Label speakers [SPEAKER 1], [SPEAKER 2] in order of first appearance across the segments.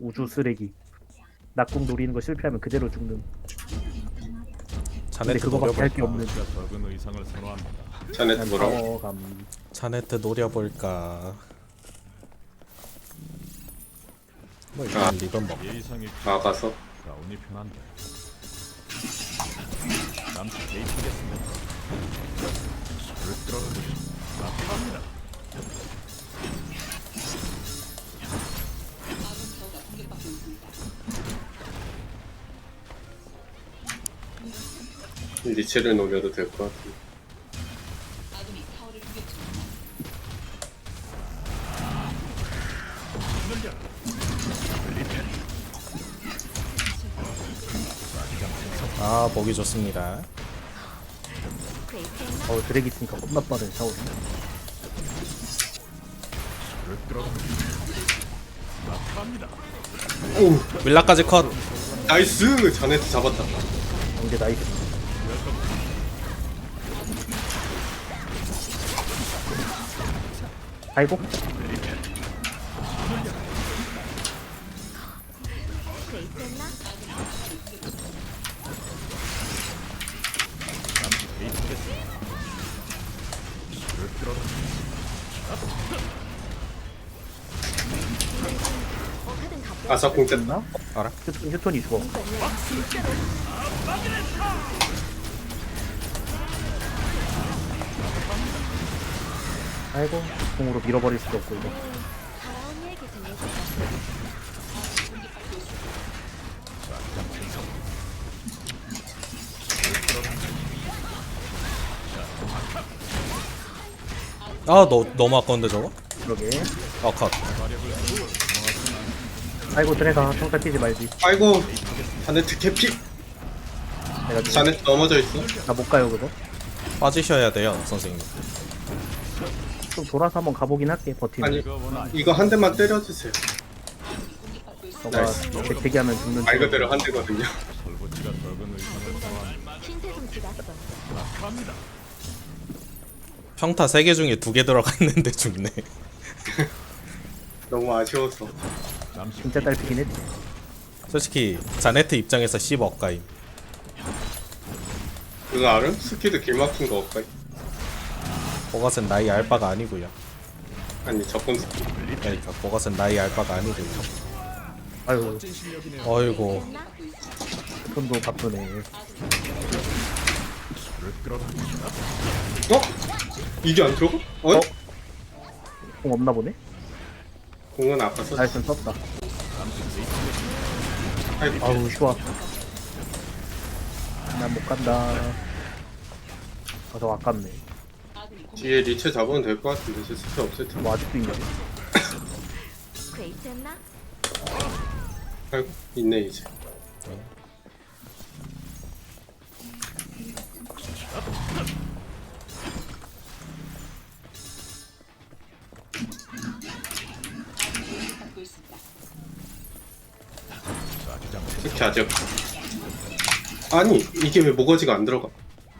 [SPEAKER 1] 우주 쓰레기. 낙궁 노리는 거 실패하면 그대로 죽는. 근데
[SPEAKER 2] 자네트
[SPEAKER 1] 그거밖에 할 게
[SPEAKER 2] 노려볼까?
[SPEAKER 1] 없는.
[SPEAKER 3] 적은 의상을 선호합니다.
[SPEAKER 4] 자네트 뭐라고?
[SPEAKER 1] 타워감.
[SPEAKER 2] 자네트 노려볼까? 뭐
[SPEAKER 4] 아.
[SPEAKER 2] 일단 리본 먹.
[SPEAKER 3] 예의상이
[SPEAKER 4] 나가서
[SPEAKER 3] 가운이 편한데. 남친 개입하겠습니다. 술을 끌어주시. 나갑니다.
[SPEAKER 4] 리체를 노려도 될 것 같은데.
[SPEAKER 2] 아 보기 좋습니다.
[SPEAKER 1] 드랙 있으니까 겁나 빠른 샤오리.
[SPEAKER 3] 술을 끌어주시. 나갑니다.
[SPEAKER 4] 오
[SPEAKER 2] 윌라까지 컷.
[SPEAKER 4] 나이스 자네트 잡았다.
[SPEAKER 1] 이제 나이스. 아이고.
[SPEAKER 3] 술을 끌어주시.
[SPEAKER 4] 아사공 쨌다.
[SPEAKER 1] 됐나?
[SPEAKER 2] 알아?
[SPEAKER 1] 휴톤이 죽어. 아이고, 공으로 밀어버릴 수도 없고 이거.
[SPEAKER 2] 아 너무 아까운데 저거?
[SPEAKER 1] 그러게.
[SPEAKER 2] 컷.
[SPEAKER 1] 아이고 드래가 평타 뛰지 말지.
[SPEAKER 4] 아이고 자네트 캐피.
[SPEAKER 1] 내가 지금
[SPEAKER 4] 자네트 넘어져 있어.
[SPEAKER 1] 나못 가요 그거.
[SPEAKER 2] 빠지셔야 돼요 선생님.
[SPEAKER 1] 좀 돌아서 한번 가보긴 할게. 버티면.
[SPEAKER 4] 아니 이거 한 대만 때려주세요.
[SPEAKER 1] 너가
[SPEAKER 4] 나이스.
[SPEAKER 1] 대기하면 죽는.
[SPEAKER 4] 말 그대로 한 대거든요.
[SPEAKER 3] 설보치가 적은 의상을 선호합니다.
[SPEAKER 5] 신세 좀 지났어.
[SPEAKER 3] 나갑니다.
[SPEAKER 2] 평타 3개 중에 2개 들어가 있는데 죽네.
[SPEAKER 4] 너무 아쉬워서.
[SPEAKER 3] 남친
[SPEAKER 1] 진짜 딸피긴 했지.
[SPEAKER 2] 솔직히 자네트 입장에서 10억 가임.
[SPEAKER 4] 그거 알아? 스키드 길 막힌 거 없까?
[SPEAKER 2] 그것은 나이 알바가 아니고요.
[SPEAKER 4] 아니 적군 스키.
[SPEAKER 2] 그러니까 그것은 나이 알바가 아니고요.
[SPEAKER 1] 아유,
[SPEAKER 2] 어이구.
[SPEAKER 1] 손도 바쁘네.
[SPEAKER 3] 술을 끌어주시.
[SPEAKER 4] 어? 이게 안 들어가? 어?
[SPEAKER 1] 공 없나 보네.
[SPEAKER 4] 공은 아까 썼.
[SPEAKER 1] 나이스 썼다.
[SPEAKER 4] 아이고
[SPEAKER 1] 아우 쉬워. 난 못 간다. 저 아깝네.
[SPEAKER 4] 뒤에 리체 잡으면 될 것 같은데 제 스킬 없을 텐데.
[SPEAKER 1] 뭐 아직도 있냐?
[SPEAKER 5] 괜찮나?
[SPEAKER 4] 아이고 있네 이제. 스키 아직. 아니 이게 왜 모거지가 안 들어가?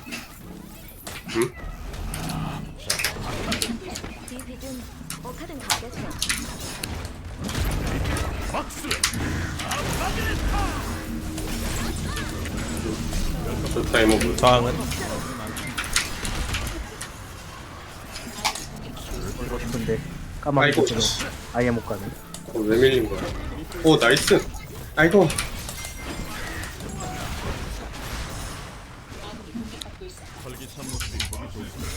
[SPEAKER 4] 응?
[SPEAKER 5] 지금 카든 가겠어.
[SPEAKER 4] 좋다 이모부.
[SPEAKER 2] 저항은
[SPEAKER 1] 이거 싶은데 까마귀
[SPEAKER 4] 아이고
[SPEAKER 1] 는 아예 못 가네.
[SPEAKER 4] 왜 밀린 거야? 오 나이스. 아이고
[SPEAKER 3] 활기찬 모습이 보기 좋습니다.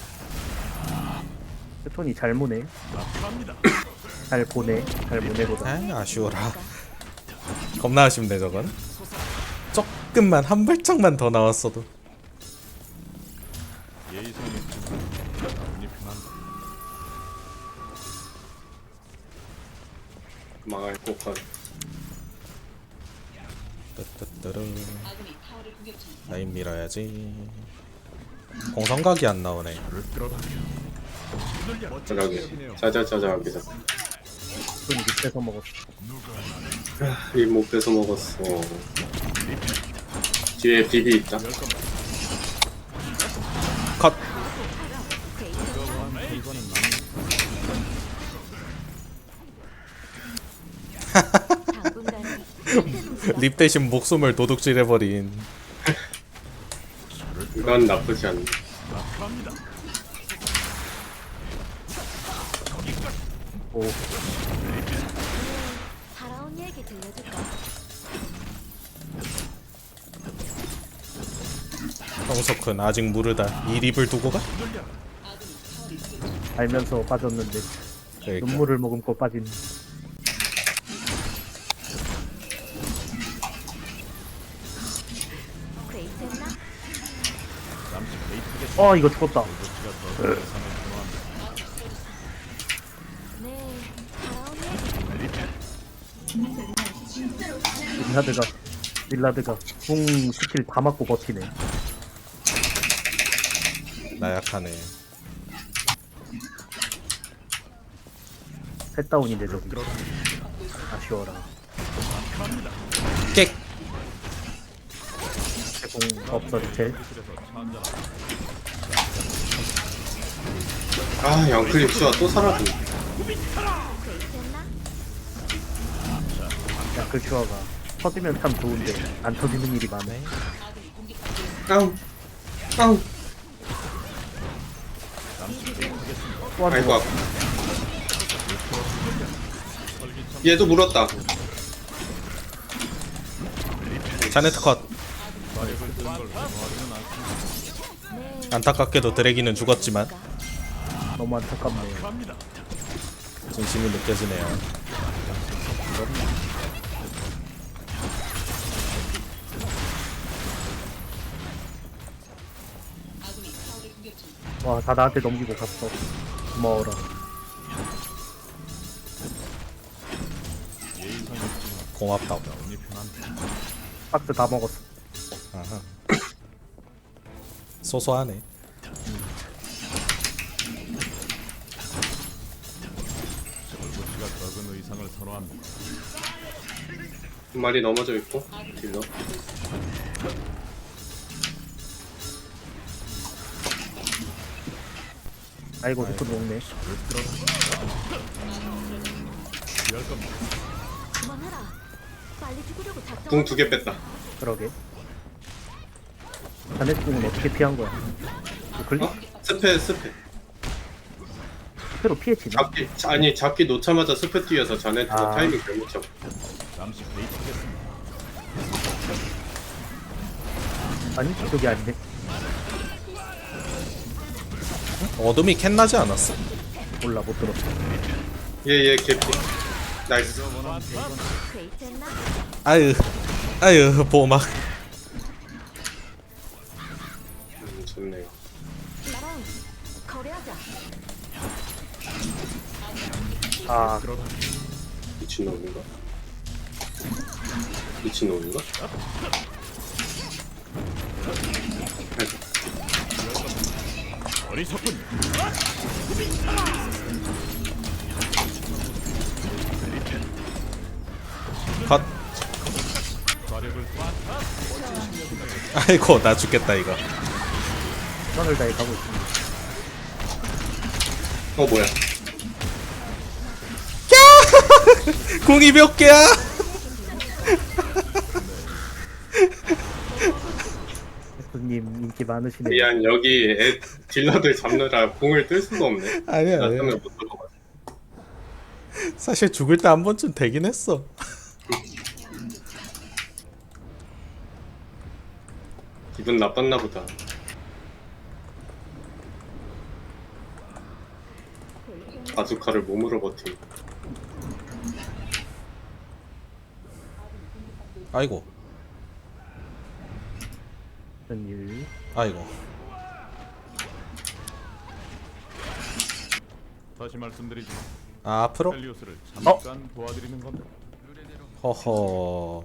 [SPEAKER 1] 휴톤이 잘 무네. 잘 보내. 잘 보내보다.
[SPEAKER 2] 아 아쉬워라. 겁나 아쉽네 저건. 조금만 한 발짝만 더 나왔어도.
[SPEAKER 3] 예의상이 가운이 편한데.
[SPEAKER 4] 망할 것같.
[SPEAKER 2] 뜨뜨뜨르. 라인 밀어야지. 공성각이 안 나오네.
[SPEAKER 3] 술을 끌어주시.
[SPEAKER 4] 자자하게 자자자자하게 잡.
[SPEAKER 1] 휴톤이 밑에서 먹었어.
[SPEAKER 4] 이못 뺏어 먹었어. 뒤에 비비 있다.
[SPEAKER 2] 컷. 립 대신 목숨을 도둑질해버린.
[SPEAKER 4] 이건 나쁘지 않네.
[SPEAKER 1] 오,
[SPEAKER 5] 살아온 얘기 들려줄까?
[SPEAKER 2] 성석훈 아직 모르다. 이 립을 두고 가?
[SPEAKER 1] 알면서 빠졌는데
[SPEAKER 2] 그러니까.
[SPEAKER 1] 눈물을 머금고 빠진.
[SPEAKER 5] 그레이트했나?
[SPEAKER 1] 이거 죽었다.
[SPEAKER 5] 네, 살아온 얘기
[SPEAKER 1] 릴라드가 궁 스킬 다 맞고 버티네.
[SPEAKER 2] 나약하네.
[SPEAKER 1] 셋다운인데 저기. 아쉬워라.
[SPEAKER 2] 객!
[SPEAKER 1] 제공 없어 리첼.
[SPEAKER 4] 아, 양클릭 슈가 또 사라졌네.
[SPEAKER 5] 그레이트했나?
[SPEAKER 1] 야그 슈아가 터지면 참 좋은데 안 터지는 일이 많네.
[SPEAKER 4] 깡! 깡!
[SPEAKER 1] 또
[SPEAKER 4] 아이고,
[SPEAKER 1] 한
[SPEAKER 4] 아파. 얘도 물었다.
[SPEAKER 2] 자네트 컷.
[SPEAKER 5] 네,
[SPEAKER 2] 안타깝게도 드래기는 죽었지만
[SPEAKER 1] 너무 안타깝네요.
[SPEAKER 2] 진심이 느껴지네요.
[SPEAKER 1] 와, 다 나한테 넘기고 갔어. 고마워라.
[SPEAKER 2] 고맙다고.
[SPEAKER 1] 박스 다 먹었어.
[SPEAKER 2] 아하. 소소하네.
[SPEAKER 3] 얼굴치가 적은 의상을 선호합니다.
[SPEAKER 4] 한 마리 넘어져 있고, 딜러.
[SPEAKER 1] 아이고, 리프 녹네.
[SPEAKER 5] 그만해라. 빨리 죽으려고 작정.
[SPEAKER 4] 궁 2개 뺐다.
[SPEAKER 1] 그러게. 자네 궁은 어떻게 피한 거야? 클릭?
[SPEAKER 4] 어? 스페.
[SPEAKER 1] 스페로 피했지나?
[SPEAKER 4] 잡기 놓자마자 스페 뛰어서 자네트가
[SPEAKER 1] 아.
[SPEAKER 4] 타이밍 잘못 잡고.
[SPEAKER 3] 잠시 베이트겠습니다.
[SPEAKER 1] 아니, 그게 아니네.
[SPEAKER 2] 어둠이 캔나지 않았어?
[SPEAKER 1] 몰라, 못 들었어.
[SPEAKER 4] 얘 개피. 나이스.
[SPEAKER 5] 그레이트했나?
[SPEAKER 2] 아유 보막.
[SPEAKER 4] 좋네요.
[SPEAKER 5] 나랑 거래하자.
[SPEAKER 1] 아,
[SPEAKER 4] 미친놈인가? 미친놈인가?
[SPEAKER 3] 어리석군.
[SPEAKER 2] 컷.
[SPEAKER 3] 과력을
[SPEAKER 2] 아이고 나 죽겠다 이거.
[SPEAKER 1] 선을 다해 가고 있습니다.
[SPEAKER 4] 뭐야?
[SPEAKER 2] 궁이 몇 개야?
[SPEAKER 1] 교수님 인기 많으시네요.
[SPEAKER 4] 미안, 여기 딜러들 잡느라 공을 뜰 수가 없네.
[SPEAKER 2] 아니야.
[SPEAKER 4] 나 때문에 못 들어가.
[SPEAKER 2] 사실 죽을 때 한 번쯤 되긴 했어.
[SPEAKER 4] 기분 나빴나 보다. 바주카를 몸으로 버팀.
[SPEAKER 2] 아이고.
[SPEAKER 1] 일.
[SPEAKER 2] 아이고.
[SPEAKER 3] 다시 말씀드리지.
[SPEAKER 2] 아, 앞으로?
[SPEAKER 3] 헬리오스를 잠깐 도와드리는 건데.
[SPEAKER 2] 허허.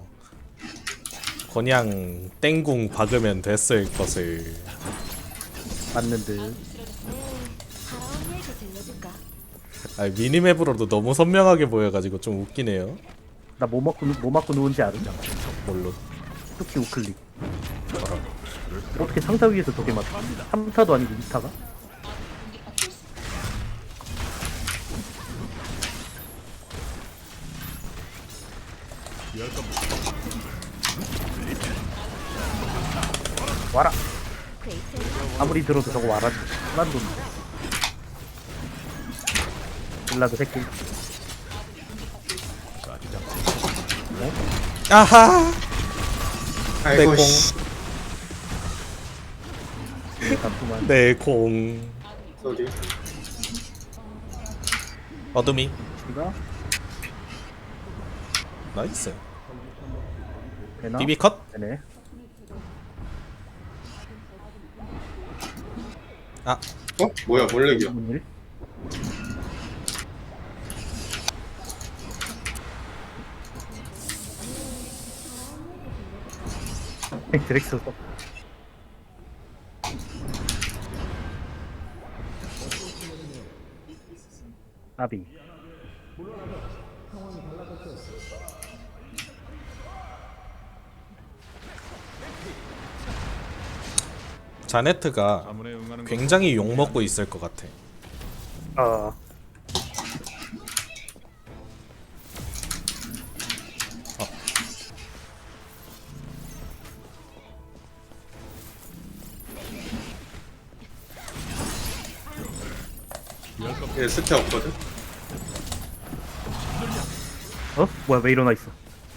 [SPEAKER 2] 그냥 땡궁 박으면 됐을 것을.
[SPEAKER 1] 맞는 듯.
[SPEAKER 5] 네, 살아온 얘기 들려줄까?
[SPEAKER 2] 아, 미니맵으로도 너무 선명하게 보여가지고 좀 웃기네요.
[SPEAKER 1] 나 뭐 맞고 누운지 알아?
[SPEAKER 2] 뭘로?
[SPEAKER 1] 특히 우클릭. 어떻게 상타 위에서 저게 맞아? 3타도 아니고 2타가?
[SPEAKER 3] 피할 겁니다.
[SPEAKER 1] 와라.
[SPEAKER 5] 퀘이트했나?
[SPEAKER 1] 아무리 들어도 저거 와라지. 난 돈. 빌라도 새끼.
[SPEAKER 3] 자기장
[SPEAKER 2] 아하.
[SPEAKER 4] 아이고
[SPEAKER 2] 공.
[SPEAKER 4] 씨.
[SPEAKER 1] 잠깐만.
[SPEAKER 2] 내 공.
[SPEAKER 4] 소리.
[SPEAKER 2] 어둠이.
[SPEAKER 1] 이거
[SPEAKER 2] 나이스.
[SPEAKER 1] 되나?
[SPEAKER 2] 비비 컷.
[SPEAKER 1] 되네.
[SPEAKER 2] 아,
[SPEAKER 4] 어? 뭐야 몰래기야.
[SPEAKER 1] 무슨 일? 드렉스 써. 아비.
[SPEAKER 2] 자네트가
[SPEAKER 3] 자문에 응하는 것
[SPEAKER 2] 굉장히 욕 먹고 있을 것 같아.
[SPEAKER 1] 아.
[SPEAKER 3] 피할 겁니다.
[SPEAKER 4] 얘 스태 없거든.
[SPEAKER 1] 어? 뭐야 왜 일어나 있어?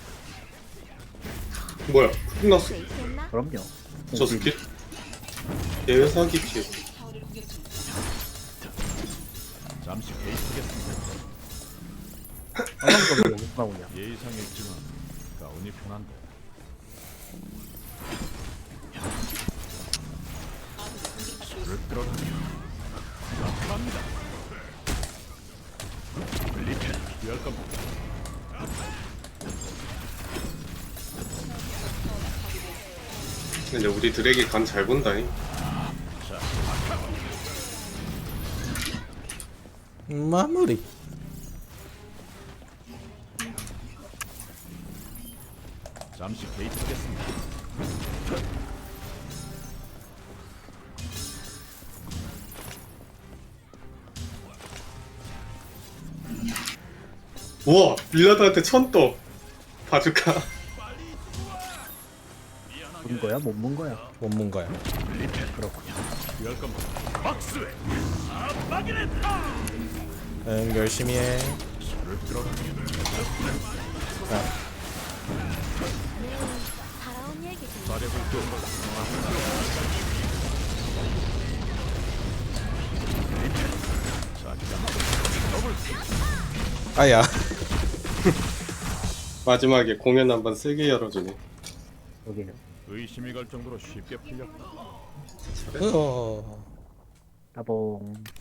[SPEAKER 4] 뭐야? 끝났어.
[SPEAKER 5] 퀘이트했나?
[SPEAKER 1] 그럼요.
[SPEAKER 4] 저 스킬? 얘 사기 피해.
[SPEAKER 3] 잠시 개입하겠습니다.
[SPEAKER 1] 아무도 왜 여기서 나오냐?
[SPEAKER 3] 예의상 있지만 가운이 편한데. 술을 끌어당겨. 갑니다. 피할 겁니다.
[SPEAKER 4] 근데 우리 드랙이 간 잘 본다잉.
[SPEAKER 2] 마무리.
[SPEAKER 3] 잠시 개입하겠습니다.
[SPEAKER 4] 우와 빌라드한테 천 떠. 봐줄까?
[SPEAKER 1] 문 거야? 못 문 거야?
[SPEAKER 2] 못 문 거야.
[SPEAKER 1] 그렇군요.
[SPEAKER 3] 피할 겁니다. 박수에
[SPEAKER 2] 응, 열심히 해.
[SPEAKER 3] 술을 끌어당겨.
[SPEAKER 5] 살아온 얘기 들려.
[SPEAKER 3] 자력을 좀
[SPEAKER 2] 아야.
[SPEAKER 4] 마지막에 공연 한번 세게 열어주네.
[SPEAKER 1] 여기는.
[SPEAKER 3] 의심이 갈 정도로 쉽게 풀렸다.
[SPEAKER 2] 으어.
[SPEAKER 1] 따봉.